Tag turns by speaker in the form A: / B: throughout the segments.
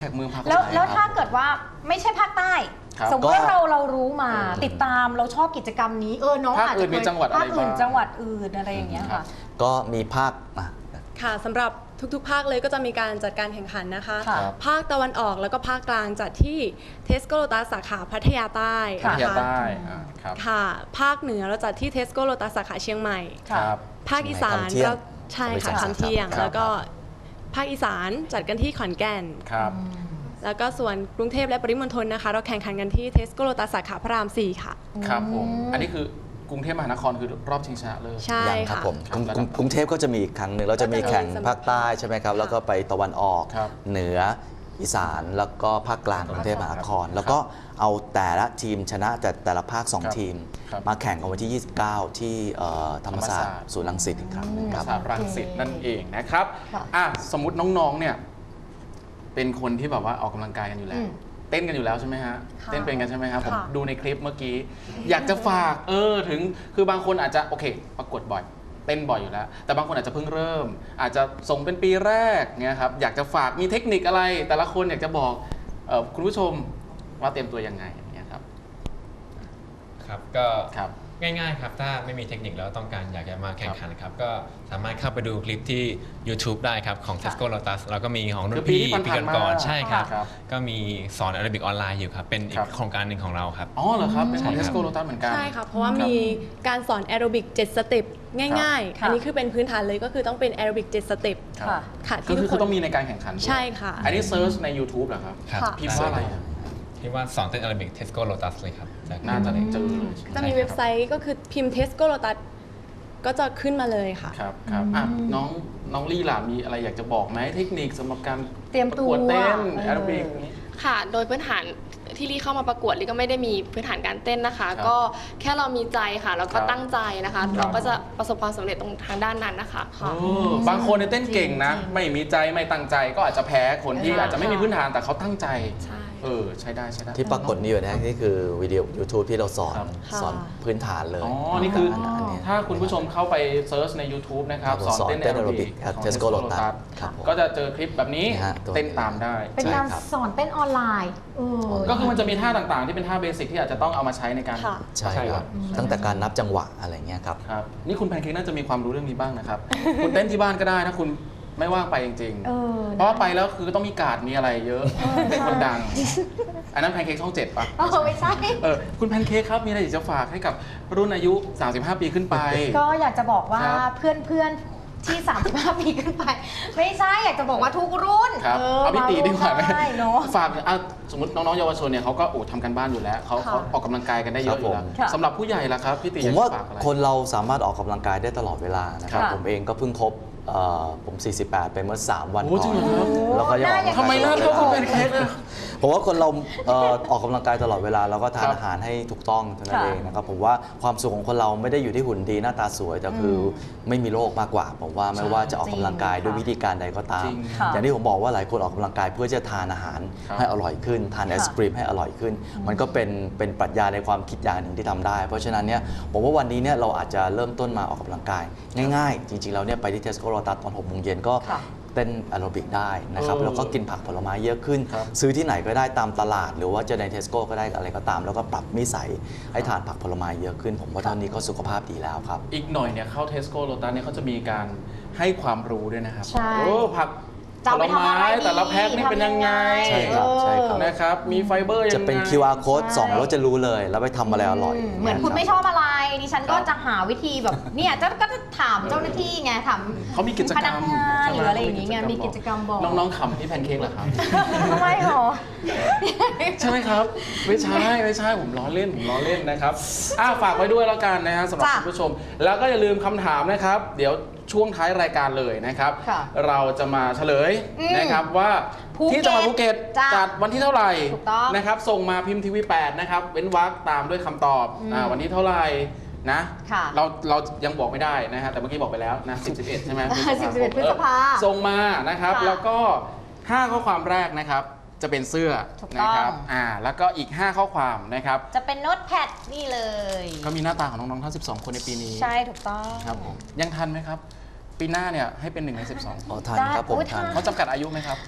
A: แขกเมืองภาค
B: แล้วถ้าเกิดว่าไม่ใช่ภาคใต้สมมติว่าเรารู้มาติดตามเราชอบกิจกรรมนี้น้องอาจจะเคยภาคอื่นจังหวัดอื่นอะไรอย่างเงี้ยค่ะ
C: ก็มีภาค
D: ค่ะสำหรับทุกๆภาคเลยก็จะมีการจัดการแข่งขันนะคะภาคตะวันออกแล้วก็ภาคกลางจัดที่เทสโก้โลตัสสาขาพัทยาใต้นะคะค่ะภาคเหนือเราจัดที่เทสโก้โลตัสสาขาเชียงใหม่ภาคอีสานก็ใช่ค่ะคำเที่ยงแล้วก็ภาคอีสานจัดกันที่ขอนแก่นแล้วก็ส่วนกรุงเทพและปริมณฑลนะคะเราแข่งขันกันที่เทสโก้โลตัสสาขาพระราม 4ค่ะ
A: ครับผมอันนี้คือกรุงเทพมหานครคือรอบชิงชนะเลิศ
D: ใช่
C: ค่ะกรุงเทพก็จะมีอีกครั้งหนึ่งเราจะมีแข่งภาคใต้ใช่ไหมครับแล้วก็ไปตะวันออกเหนืออีสานแล้วก็ภาคกลางกรุงเทพมหานครแล้วก็เอาแต่ละทีมชนะแต่ละภาค2ทีมมาแข่งกันวันที่ 29 ที่ธรรมศาสตร์ศูนย์รังสิตอีกครั้งนึงครับ
A: รังสิตนั่นเองนะครับสมมุติน้องๆเนี่ยเป็นคนที่แบบว่าออกกำลังกายกันอยู่แล้วเต้นกันอยู่แล้วใช่ไหมฮะเต้นเป็นกันใช่ไหมครับผมดูในคลิปเมื่อกี้อยากจะฝากถึงคือบางคนอาจจะโอเคประกวดบ่อยเต้นบ่อยอยู่แล้วแต่บางคนอาจจะเพิ่งเริ่มอาจจะส่งเป็นปีแรกเนี่ยครับอยากจะฝากมีเทคนิคอะไรแต่ละคนอยากจะบอกคุณผู้ชมว่าเตรียมตัวยังไงอย่างเงี้ยครับ
E: ครับก็ง่ายๆครับถ้าไม่มีเทคนิคแล้วต้องการอยากจะมาแข่งขันครับก็สามารถเข้าไปดูคลิปที่ YouTube ได้ครับของ Tesco Lotus แล้วก็มีของรุ่นพี่ก่อนใช่ครับก็มีสอนแอโรบิกออนไลน์อยู่ครับเป็นอีกโครงการหนึ่งของเราครับ
A: อ๋อเหรอครับเป็นของ Tesco Lotus เหมือนกัน
D: ใช่ค่ะเพราะว่ามีการสอนแอโรบิก7สเต็ปง่ายๆอันนี้คือเป็นพื้นฐานเลยก็คือต้องเป็นแอโรบิก7สเต็ป
A: ค่ะที่ทุกคนต้องมีในการแข่งขัน
D: ใช่ค่ะ
A: อันนี้เซิร์ชใน YouTube เหรอครับพิมพ์ว่าอะไร
E: ที่ว่าสอนเต้นแอโรบิก Tesco Lotus เลยครับ
A: น่าจะเจอ
D: จะมีเว็บไซต์ก็คือพิมพ์ Tesco Lotus ก็จะขึ้นมาเลยค่ะ
A: ครับน้องลี่ล่ะมีอะไรอยากจะบอกไหมเทคนิคสำหรับการ
B: เตรียมตัว
A: เต้นแอโรบิก
F: ค่ะโดยพื้นฐานที่ลี่เข้ามาประกวดลี่ก็ไม่ได้มีพื้นฐานการเต้นนะคะก็แค่เรามีใจค่ะแล้วก็ตั้งใจนะคะเราก็จะประสบความสำเร็จตรงทางด้านนั้นนะคะ
A: บางคนเต้นเก่งนะไม่มีใจไม่ตั้งใจก็อาจจะแพ้คนที่อาจจะไม่มีพื้นฐานแต่เขาตั้งใจใช้ได้
C: ที่ปรากฏนี่อยู่นะนี่คือวิดีโอ YouTube ที่เราสอนพื้นฐานเลย
A: นี่คือถ้าคุณผู้ชมเข้าไปเซิร์ชใน YouTube นะครับสอนเต้นแอโรบิก
C: เทสโก้โลตัส
A: ก็จะเจอคลิปแบบนี้เต้นตามได้
B: เป็นการสอนเต้นออนไลน์
A: ก็คือมันจะมีท่าต่างๆที่เป็นท่าเบสิกที่อาจจะต้องเอามาใช้ในการ
C: ใช่ครับตั้งแต่การนับจังหวะอะไรเงี้ยครับ
A: นี่คุณแพนเค้กน่าจะมีความรู้เรื่องนี้บ้างนะครับคุณเต้นที่บ้านก็ได้นะคุณไม่ว่างไปจริงๆเพราะว่าไปแล้วคือต้องมีการ์ดมีอะไรเยอะเป็นคนดังอันนั้นแพนเค้กช่อง7ป่ะ
B: ไม่ใช่
A: คุณแพนเค้กครับมีอะไรอยากจะฝากให้กับรุ่นอายุ35ปีขึ้นไป
B: ก็อยากจะบอกว่าเพื่อนที่35ปีขึ้นไปไม่ใช่อยากจะบอกว่าทุกรุ่น
A: เอาพี่ตีดีกว่าไหมฝากสมมติน้องๆเยาวชนเนี่ยเขาก็ทำกันบ้านอยู่แล้วเขาออกกำลังกายกันได้เยอะอยู่แล้วสำหรับผู้ใหญ่ล่ะครับพี่ตี
C: ผมว่าคนเราสามารถออกกำลังกายได้ตลอดเวลานะครับผมเองก็เพิ่งครบผม48ไปเมื่อ3วันก่อนแล้วก็ยังออก
A: ทำไมหน้าเท่าคุณแพนเค้ก
C: ผมว่าคนเราออกกำลังกายตลอดเวลาแล้วก็ทานอาหารให้ถูกต้องเท่านั้นเองนะครับผมว่าความสุขของคนเราไม่ได้อยู่ที่หุ่นดีหน้าตาสวยแต่คือไม่มีโรคมากกว่าผมว่าไม่ว่าจะออกกำลังกายด้วยวิธีการใดก็ตามอย่างที่ผมบอกว่าหลายคนออกกำลังกายเพื่อจะทานอาหารให้อร่อยขึ้นทานไอศกรีมให้อร่อยขึ้นมันก็เป็นปรัชญาในความคิดอย่างหนึ่งที่ทำได้เพราะฉะนั้นเนี่ยผมว่าวันนี้เนี่ยเราอาจจะเริ่มต้นมาออกกำลังกายง่ายๆจริงๆแล้วเนี่ยไปที่ Tesco Lotus ตอน6 โมงเย็นก็เต้นแอโรบิกได้นะครับแล้วก็กินผักผลไม้เยอะขึ้นซื้อที่ไหนก็ได้ตามตลาดหรือว่าจะใน Tesco ก็ได้อะไรก็ตามแล้วก็ปรับนิสัยให้ทานผักผลไม้เยอะขึ้นผมว่าเท่านี้ก็สุขภาพดีแล้วครับ
A: อีกหน่อยเนี่ยเข้า Tesco Lotus เนี่ยเขาจะมีการให้ความรู้ด้วยนะครับผักผลไม้แต่ละแพ็คนี่เป็นยังไง
C: ใช่ครับใช่ครับ
A: นะครับมีไฟเบอร์ยังไง
C: จะเป็น QR code ส่องแล้วจะรู้เลยแล้วไปทำอะไรอร่อย
B: เหมือนคุณไม่ชอบอะไรดิฉันก็จะหาวิธีแบบเนี่ยก็จะถามเจ้าหน้าที่ไงถาม
A: เขามีกิจกรรม
B: หรืออะไรอย่างงี้ไงมีกิจกรรมบอก
A: น้องๆขำที่แพนเค้กเหรอครับ
B: ทำไมหรอ
A: ใช่ไหมครับไม่ใช่ผมล้อเล่นนะครับฝากไว้ด้วยแล้วกันนะฮะสำหรับคุณผู้ชมแล้วก็อย่าลืมคำถามนะครับเดี๋ยวช่วงท้ายรายการเลยนะครับเราจะมาเฉลยนะครับว่าที่จังหวัดภูเก็ตจัดวันที่เท่าไหร่นะครับส่งมาพิมพ์ทีวี 8นะครับเว้นวรรคตามด้วยคำตอบวันที่เท่าไหร่นะเรายังบอกไม่ได้นะฮะแต่เมื่อกี้บอกไปแล้วนะ10-11ใช่ไหม
B: 10-11 พฤษภา
A: ส่งมานะครับแล้วก็5ข้อความแรกนะครับจะเป็นเสื้อนะครับแล้วก็อีก5ข้อความนะครับ
B: จะเป็นโน้ตแพดนี่เลย
A: ก็มีหน้าตาของน้องๆทั้ง12คนในปีนี้
B: ใช่ถูกต้อง
A: ครับผมยังทันไหมครับปีหน้าเนี่ยให้เป็น1 ใน 12
C: ทันครับผมทัน
A: เขาจำกัดอายุไหมครับ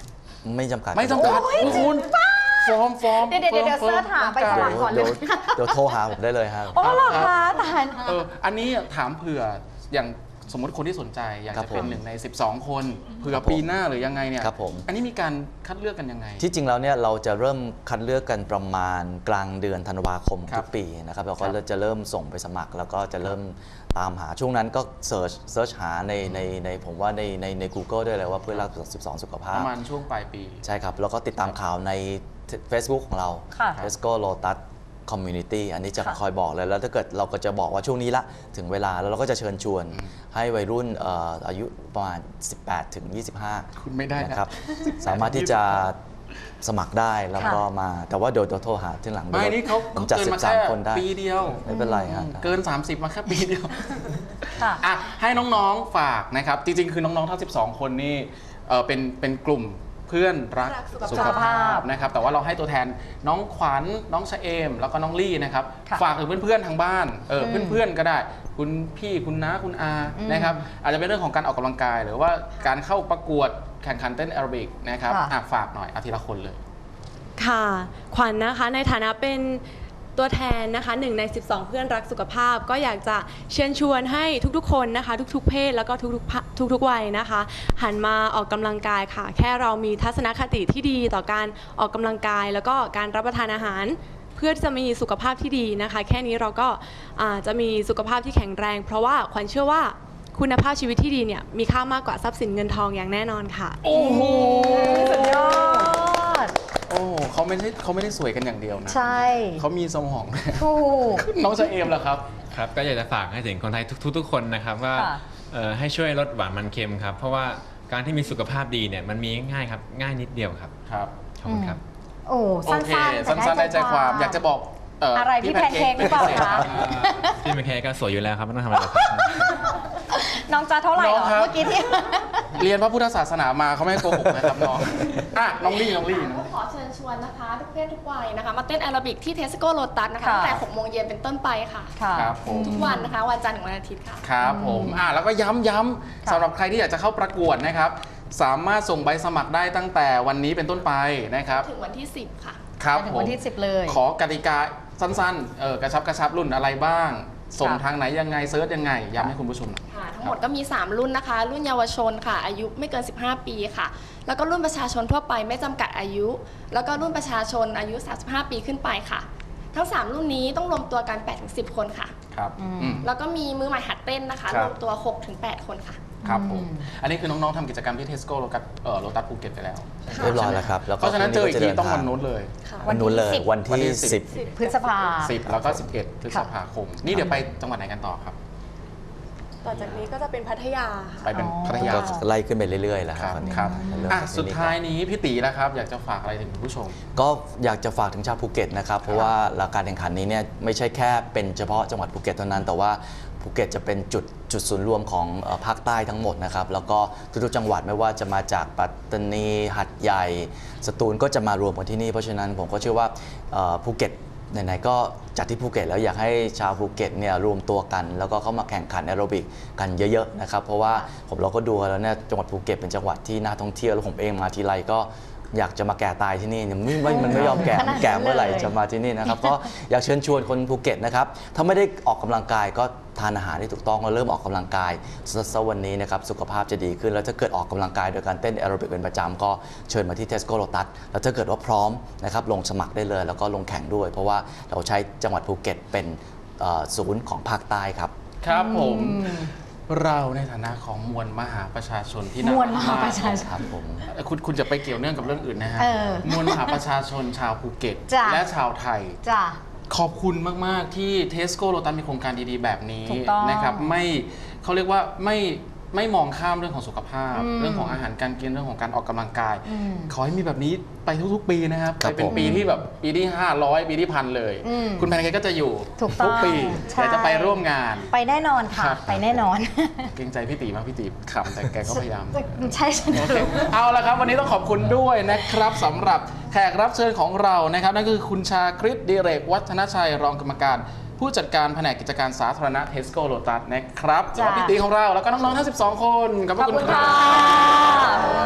C: ไม่จำกัด
A: ไม่จำกัดคุณฟอร์ม
B: เดี๋ยวเสิร์ชหาไปสมัครก่อนเลย
C: เดี๋ยวโทรหาผมได้เลยครับ
B: อ๋อเหรอคะตาย
A: อันนี้ถามเผื่ออย่างสมมติคนที่สนใจอยากจะเป็น1 ใน 12 คนเผื่อปีหน้าหรือยังไงเนี่ย
C: ครับผม
A: อันนี้มีการคัดเลือกกันยังไง
C: ที่จริงแล้วเนี่ยเราจะเริ่มคัดเลือกกันประมาณกลางเดือนธันวาคมทุกปีนะครับเราก็จะเริ่มส่งไปสมัคร แล้วก็จะเริ่มตามหาช่วงนั้นก็เซิร์ชหาในผมว่าใน Google ด้วยเลยว่าเพื่อนรัก12 สุขภา
A: ป
C: พ
A: ระมาณช่วงปลายปี
C: ใช่ครับ แล้วก็ติดตามข่าวใน Facebook ของเรา
B: ค่ะ
C: Tesco Lotus Community อันนี้จะคอยบอกเลยแล้วถ้าเกิดเราก็จะบอกว่าช่วงนี้ละถึงเวลาแล้วเราก็จะเชิญชวนให้วัยรุ่นอายุประมาณ 18 ถึง 25
A: คุณไม่ได้นะ
C: นะครับ สามารถที่จะสมัครได้แล้วก็มาแต่ว่าเดี๋ยวโทรหาที่หลัง
A: ไม่นี่เขา
C: ผมจัด
A: เกินมาแค่
C: 13 คนได้
A: ปีเดียว
C: ไม่เป็นไรฮะ
A: เกิน 30 มาแค่ปีเดียว
B: ค่ะ
A: อ่ะให้น้องๆฝากนะครับ จริงๆ คือน้องๆทั้ง12 คนนี่เป็นกลุ่มเพื่อนรัก
D: รักสุ
A: สุ
D: ข
A: ข
D: ภาพ
A: ภาพนะครับแต่ว่าเราให้ตัวแทนน้องขวัญน้องชะเอม แล้วก็น้องลี่นะครับ
B: ค่ะ
A: ฝากถึงเพื่อนๆทางบ้านเพื่อนๆก็ได้ คุณพี่คุณน้าคุณอานะครับอาจจะเป็นเรื่องของการออกกำลังกาย หรือว่าการเข้าประกวดแข่งขันเต้นแอโรบิกนะครับ
B: ค่ะ
A: อ่ะฝากหน่อยอาทีละคนเลย
D: ค่ะ ขวัญนะคะในฐานะเป็นตัวแทนนะคะ1 ใน 12 เพื่อนรักสุขภาพ ก็อยากจะเชิญชวนให้ทุกๆคนนะคะ ทุกๆเพศแล้วก็ทุกวัยนะคะ หันมาออกกำลังกายค่ะ แค่เรามีทัศนคติที่ดีต่อการออกกำลังกาย แล้วก็การรับประทานอาหาร เพื่อจะมีสุขภาพที่ดีนะคะ แค่นี้เราก็จะมีสุขภาพที่แข็งแรง เพราะว่าขวัญเชื่อว่าคุณภาพชีวิตที่ดีเนี่ยมีค่ามากกว่าทรัพย์สินเงินทองอย่างแน่นอนค่ะ
A: โอ้โห
B: สุดยอด
A: โอ้เขาไม่ได้สวยกันอย่างเดียวนะ
B: ใช่
A: เขามีสมองด้วย
B: ถูก
A: น้องชะเอมเหรอครับ
E: ครับก็อยากจะฝากให้ถึงคนไทยทุกๆคนนะครับว่า
B: ค่ะ
E: ให้ช่วยลดหวานมันเค็มครับ เพราะว่าการที่มีสุขภาพดีเนี่ยมันมีง่ายครับง่ายนิดเดียวครับ
A: ครับ
E: ขอบคุณครับ
B: โอ้
A: โอ
B: สั้น
A: เค
B: ๆ
A: สั้นๆได้ใจความอยากจะบอก
B: อะไรพี่แพนเค้กหรือเปล่าคะ
E: พี่แมคแคร์ก็สวยอยู่แล้วครับไม่ต้องทำอะไรหรอกครับ
B: น้องจะเท่าไหร่เหรอ
A: น้องครับ
B: เมื่อกี้ที่
A: เรียนพระพุทธศาสนามาเขาไม่ให้โกหกนะครับน้องอ่ะน้องลี่
F: ขอเชิญชวนนะคะทุกเพศทุกวัยนะคะมาเต้นแอโรบิกที่เทสโก้โลตัสนะคะ
B: ค่ะ
F: ตั้งแต่ 6 โมงเย็นเป็นต้นไปค่ะ
B: ค่ะ
A: ครับผม
F: ทุกวันนะคะ วันจันทร์ถึงวันอาทิตย์ค่ะ
A: ครับผมแล้วก็ย้ำสำหรับใครที่อยากจะเข้าประกวดนะครับ สามารถส่งใบสมัครได้ตั้งแต่วันนี้เป็นต้นไปนะครับ
F: ถึงวันที่ 10 ค่ะ
A: ครับ
B: ถึง
A: ผม
B: วันที่ 10 เลย
A: ขอกติกาสั้นๆกระชับรุ่นอะไรบ้าง ส่งทางไหนยังไงเซิร์ชยังไงย้ำให้คุณผู้ชมหน่อย
F: ค่ะทั้งหมดก็มี 3 รุ่นนะคะ รุ่นเยาวชนค่ะ อายุไม่เกิน 15 ปีค่ะ แล้วก็รุ่นประชาชนทั่วไปไม่จำกัดอายุ แล้วก็รุ่นประชาชนอายุ 35 ปีขึ้นไปค่ะ ทั้ง 3 รุ่นนี้ต้องรวมตัวกัน 8-10 คนค่ะ
A: ครับอืม
F: แล้วก็มีมือใหม่หัดเต้นนะคะ
A: ครับ
F: รวมตัว 6-8 คนค่ะ
A: ครับผม อันนี้คือน้องๆทำกิจกรรมที่เทสโก้โลตัสภูเก็ตไปแล้ว
C: เรียบร้อยแล้วครับแล้ว
A: เพราะฉะนั้นเจออีกทีต้องวัน
C: นู้
A: นู้นเลย
C: วันนู้นเลย
B: วั
C: วัน
B: นที่
C: ที่
A: 10
C: 10
B: พฤษภา
A: 10 แล้วก็ 11 พฤษภาคม นี่เดี๋ยวไปจังหวัดไหนกันต่อครับ
D: ต่อจากนี้ก็จะเป็นพัทยาค่ะ
A: ไปเป็นพัทยา
C: ก็ไล่ขึ้นไปเรื่อยๆแล้ว
A: ครับ
C: ตอนนี้
A: ครับ
C: เริ่ม
A: อ่ะ
C: จากที่
A: สุด
C: นี่
A: ท้าย
C: ก่อน
A: นี้พี่ตีแล้วครับ อยากจะฝากอะไรถึงคุณผู้ชม
C: ก็อยากจะฝากถึงชาวภูเก็ตนะครับ เพราะว่าการแข่งขันนี้เนี่ยไม่ใช่แค่เป็นเฉพาะจังหวัดภูเก็ตเท่านั้น แต่ว่าภูเก็ตจะเป็นจุดศูนย์รวมของภาคใต้ทั้งหมดนะครับ แล้วก็ทุกๆจังหวัดไม่ว่าจะมาจากปัตตานีหัดใหญ่สตูลก็จะมารวมกันที่นี่ เพราะฉะนั้นผมก็เชื่อว่าภูเก็ตไหนๆก็จัดที่ภูเก็ตแล้วอยากให้ชาวภูเก็ตเนี่ยรวมตัวกัน แล้วก็เข้ามาแข่งขันแอโรบิกกันเยอะๆนะครับเพราะว่าเราก็ดูแล้วเนี่ยจังหวัดภูเก็ตเป็นจังหวัดที่น่าท่องเที่ยวแล้วผมเองมาทีไรก็อยากจะมาแก่ตายที่นี่มันไม่ยอมแก่มันแก่เมื่อไหร่จะมาที่นี่นะครับก็อยากเชิญชวนคนภูเก็ตนะครับถ้าไม่ได้ออกกำลังกายก็ทานอาหารที่ถูกต้องแล้วเริ่มออกกำลังกายสักวันนี้นะครับสุขภาพจะดีขึ้นแล้วถ้าเกิดออกกำลังกายโดยการเต้นแอโรบิกเป็นประจำก็เชิญมาที่ Tesco Lotus แล้วถ้าเกิดว่าพร้อมนะครับลงสมัครได้เลยแล้วก็ลงแข่งด้วย เพราะว่าเราใช้จังหวัดภูเก็ตเป็นศูนย์ของภาคใต้ครับ
A: ครับผมเราในฐานะของมวลมหาประชาชนที่น่าม
B: วลมหาประชาชน
C: ครับผม
A: คุณจะไปเกี่ยวเนื่องกับเรื่องอื่นนะฮะ มวลมหาประชาชนชาวภูเก็ต
B: จ้ะ
A: และชาวไทย
B: จ้ะ
A: ขอบคุณมาก ๆ ที่ Tesco Lotus มีโครงการดี ๆ แบบนี้
B: ถูกต้อง
A: นะครับเขาเรียกว่าไม่มองข้ามเรื่องของสุขภาพ เรื่องของอาหารการกินเรื่องของการออกกำลังกาย ขอให้มีแบบนี้ไปทุก ๆ ปีนะครับ
C: ครับ
A: ไปเป็น
C: ผม
A: ปีที่แบบปีที่ 500 ปีที่พันเลย คุณแพนเค้กก็จะอยู่
B: ถูกต้อง
A: ทุกปี
B: ใช่
A: แต่จะไปร่วมงาน
B: ไปแน่นอนค่ะ
A: ครับ
B: ไปแน่นอน
A: เกรงใจพี่ตีมากพี่ตีขำแต่แกก็พยายาม
B: ใช่ฉัน
A: โอเคเอาละครับวันนี้ต้องขอบคุณด้วยนะครับสำหรับแขกรับเชิญของเรานะครับนั่นคือคุณชาคริตดิเรกวัฒนชัยรองกรรมการ ผู้จัดการแผนกกิจการสาธารณะ Tesco Lotus นะครับ
B: จ้ะ
A: แล้วพี่ตีของเราแล้วก็น้องๆทั้ง 12 คนขอบพ
B: ขอ
A: ระ
B: บ
A: คุณ
B: คุณ
A: ครั
B: ค่ะ
A: บ
B: ขอบคุณค่ะ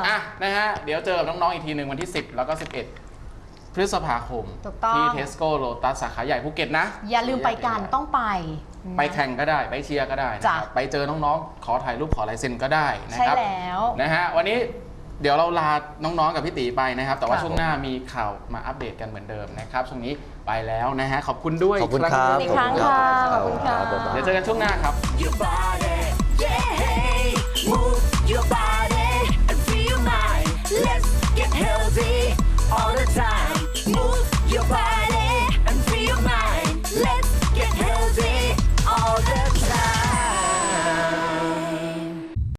A: อ่ะนะฮะเดี๋ยวเจอกับน้องๆอีกทีหนึ่งวันที่ 10 แล้วก็ 11 พฤษภาคม
B: ถูกต้อง
A: ที่ Tesco Lotus สาขาใหญ่ภูเก็ตนะ
B: อย่าลืมไปกันต้องไป
A: ไปแข่งก็ได้ไปเชียร์ก็ได้นะครับไปเจอน้องๆขอถ่ายรูปขอลายเซ็นก็ได้นะครับ
B: ใช่แล้ว
A: นะฮะวันนี้เดี๋ยวเราลาน้องๆกับพี่ตีไปนะครับแต่ว่าช่วงหน้ามีข่าวมาอัปเดตกันเหมือนเดิมนะครับช่วงนี้ไปแล้วนะฮะขอบคุณด้วย
C: ขอบคุณครับ
B: อีกครั้งค่ะขอบคุณค่ะ
A: เดี๋ยวเจอกันช่วงหน้าครับ
G: Your body, yeah, move your body.